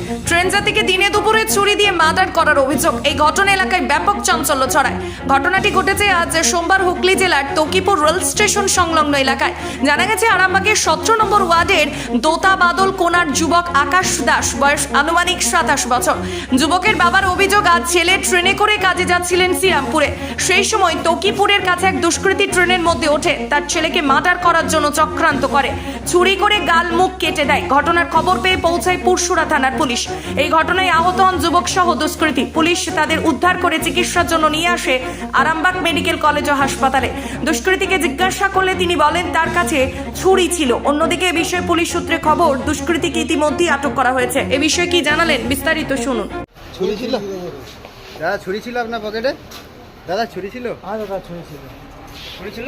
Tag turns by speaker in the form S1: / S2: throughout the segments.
S1: Train যাত্রীকে দিনে দুপুরে ছুরি দিয়ে মার্ডার করার অভিযোগ। এই ঘটনা এলাকায় ব্যাপক চাঞ্চল্য ছড়ায়। ঘটনাটি ঘটেছে আজ সোমবার হুগলি জেলার তকিপুর রেল স্টেশন সংলগ্ন এলাকায়। জানা গেছে আরামবাগের 17 নম্বর ওয়ার্ডের দোতা বাদল কোনার যুবক আকাশ দাস, বয়স আনুমানিক 27 বছর। যুবকের বাবার অভিযোগ, আজ ছেলে ট্রেনে করে কাজে যাচ্ছিলেন শ্রীরামপুরে। সেই সময় তকিপুরের কাছে এক দুষ্কৃতী ট্রেনের মধ্যে ওঠে তার ছেলেকে মার্ডার করার জন্য চক্রান্ত করে, ছুরি করে গাল মুখ কেটে দেয়। ঘটনার খবর পেয়ে পৌঁছায় পুরসুরা থানার পুলিশ। এই ঘটনায় আহত হন যুবক সহ দুষ্কৃতী। পুলিশ তাদের উদ্ধার করে চিকিৎসার জন্য নিয়ে আসে আরামবাগ মেডিকেল কলেজ ও হাসপাতালে। দুষ্কৃতীকে জিজ্ঞাসা করলে তিনি বলেন তার কাছে ছুরি ছিল। অন্যদিকে এ বিষয়ে পুলিশ সূত্রে খবর, দুষ্কৃতীকে ইতিমধ্যেই আটক করা হয়েছে। এ বিষয়ে কি জানালেন বিস্তারিত শুনুন।
S2: ছুরি ছিল দাদা? ছুরি ছিল আপনার পকেটে? দাদা ছুরি ছিল?
S3: হ্যাঁ দাদা ছুরি ছিল।
S2: ছুরি ছিল?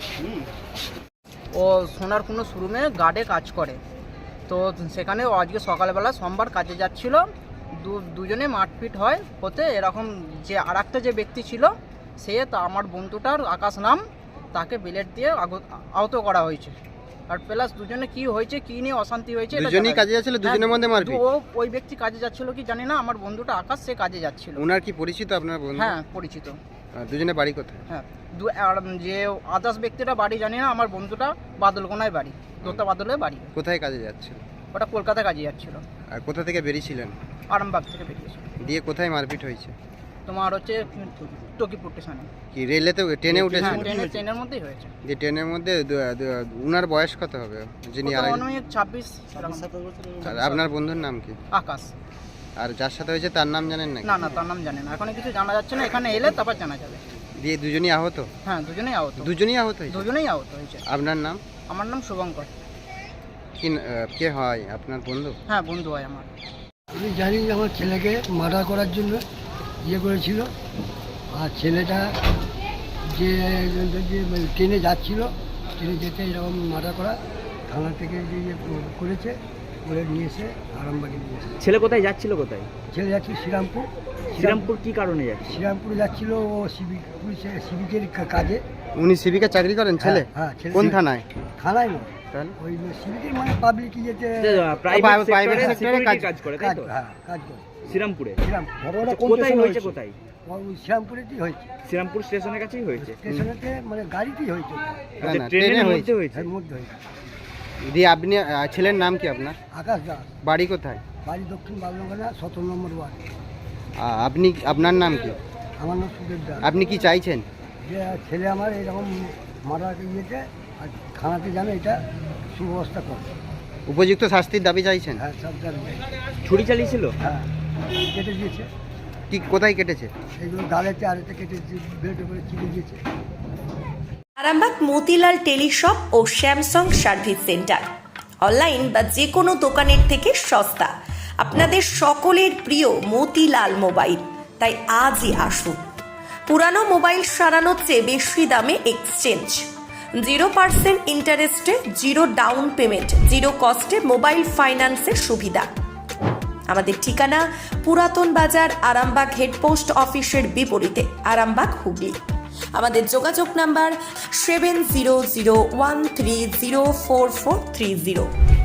S3: ও সোনার কোনো শোরুমে গার্ডে কাজ করে, তো সেখানে ও আজকে সকালবেলা সোমবার কাজে যাচ্ছিল। দুজনে মারপিট হয় হতে এরকম যে আর একটা যে ব্যক্তি ছিল সে তা আমার বন্ধুটার আকাশ নাম, তাকে বিলেট দিয়ে আহত করা হয়েছে। আর প্লাস দুজনে কি হয়েছে, কি নিয়ে অশান্তি হয়েছে,
S2: দুজনেই কাজে যাচ্ছিল, দুজনের মধ্যে মারপিট?
S3: ও ওই ব্যক্তি কাজে যাচ্ছিল কি জানি না, আমার বন্ধুটা আকাশ সে কাজে যাচ্ছিল।
S2: ওনার কি পরিচিত আপনার বন্ধু?
S3: হ্যাঁ পরিচিত।
S2: দুজনে বাড়ি কোথায়?
S3: হ্যাঁ আর যে আদার্স ব্যক্তিটা বাড়ি জানি না, আমার বন্ধুটা বাদলকোনায় বাড়ি, দোতা বাদলের বাড়ি।
S2: কোথায় কাজে যাচ্ছিল?
S3: ওটা কলকাতা কাজে যাচ্ছিল।
S2: আর কোথা থেকে বেরিয়েছিলেন?
S3: আরামবাগ থেকে বেরিয়েছিল।
S2: দিয়ে কোথায় মারপিট হয়েছে?
S3: তোমার হচ্ছে তকিপুর স্টেশনে।
S2: কি রেলেতে ট্রেনে উঠেছে?
S3: হ্যাঁ ট্রেনের মধ্যেই হয়েছে।
S2: যে ট্রেনের মধ্যে উনার বয়স কত হবে যিনি?
S3: 26।
S2: আর আপনার বন্ধুর নাম কি?
S3: আকাশ।
S2: আর যার সাথে হয়েছে তার নাম জানেন না?
S3: না তার নাম জানে না, এখন কিছু জানা যাচ্ছে না, এখানে এলে তারপর জানা যাবে।
S2: দিয়ে দুজনই আহত?
S3: হ্যাঁ দুজনেই আহত।
S2: দুজনেই আহত হয়েছে?
S3: দুজনেই আহত হয়েছে।
S2: আপনার নাম?
S3: আমার নাম শুভঙ্কর।
S2: কি কে হয় আপনার বন্ধু?
S3: হ্যাঁ বন্ধু হয় আমার।
S4: আমি জানি যে আমার ছেলেকে মার্ডার করার জন্য করেছিল। আর ছেলেটা যে ট্রেনে যাচ্ছিল, ট্রেনে যেতে এরকম মার্ডার করা, থানা থেকে যে করেছে করে নিয়ে এসে আরামবাগে নিয়ে এসে।
S5: ছেলে কোথায় যাচ্ছিল? কোথায়
S4: ছেলে যাচ্ছিল শ্রীরামপুর।
S5: শ্রীরামপুর কি কারণে যাচ্ছে?
S4: শ্রীরামপুরে যাচ্ছিল ও সিভিকের কাজে।
S2: উনি সিভিকে চাকরি করেন ছেলে?
S4: হ্যাঁ
S2: কোন থানায়?
S4: থানায় নয়,
S2: তাহলে
S4: ওই সিভিকের মানে পাবলিক যেতে
S5: প্রাইভেট সেক্টরে কাজ করে, তাই তো?
S4: হ্যাঁ কাজ করে
S5: শ্রীরামপুরে।
S4: কোথায়
S5: হয়েছে? কোথায়?
S4: শ্রীরামপুরেতেই হয়েছে।
S5: শ্রীরামপুর স্টেশনের কাছেই হয়েছে।
S4: স্টেশনেতে মানে গাড়িতেই হয়েছে।
S2: না, না,
S5: ট্রেনের
S2: ট্রেনে
S5: মধ্যে হয়েছে।
S4: এর মধ্যে হয়েছে।
S2: দিয়ে আপনি ছেলের নাম কি আপনার?
S4: আকাশ দাস।
S2: বাড়ি কোথায়?
S4: বাড়ি দক্ষিণ বাগলগোনা 17 নম্বর ওয়ার্ড।
S2: আপনি আপনার নাম কি?
S4: আমার নাম সুদেব দাস।
S2: আপনি কি চাইছেন?
S4: যে ছেলে আমার এরকম মারাকে ইয়েতে আর থানাতে জানে এটা সুব্যবস্থা করে।
S2: উপযুক্ত শাস্তির দাবি চাইছেন?
S4: হ্যাঁ সব জানে।
S5: ছুরি চালিয়েছিল?
S4: হ্যাঁ কেটে দিয়েছে।
S2: কি কোথায় কেটেছে?
S4: এইগুলো গালেতে আরেতে কেটে বেল্টে করে চিড়ে দিয়েছে।
S1: আরামবাগ মতিলাল টেলিশপ ও স্যামসাং সার্ভিস সেন্টার, অনলাইন বা যে কোনো দোকানের থেকে সস্তা। আপনাদের সকলের প্রিয় মতিলাল মোবাইল, তাই আজই আসুন। পুরানো মোবাইল সারানোর চেয়ে বেশি দামে এক্সচেঞ্জ, 0% ইন্টারেস্টে, 0 ডাউন পেমেন্ট, 0 কস্টে মোবাইল ফাইন্যান্সের সুবিধা। আমাদের ঠিকানা পুরাতন বাজার, আরামবাগ হেডপোস্ট অফিসের বিপরীতে, আরামবাগ হুগলি। আমাদের যোগাযোগ নাম্বার 7001304430।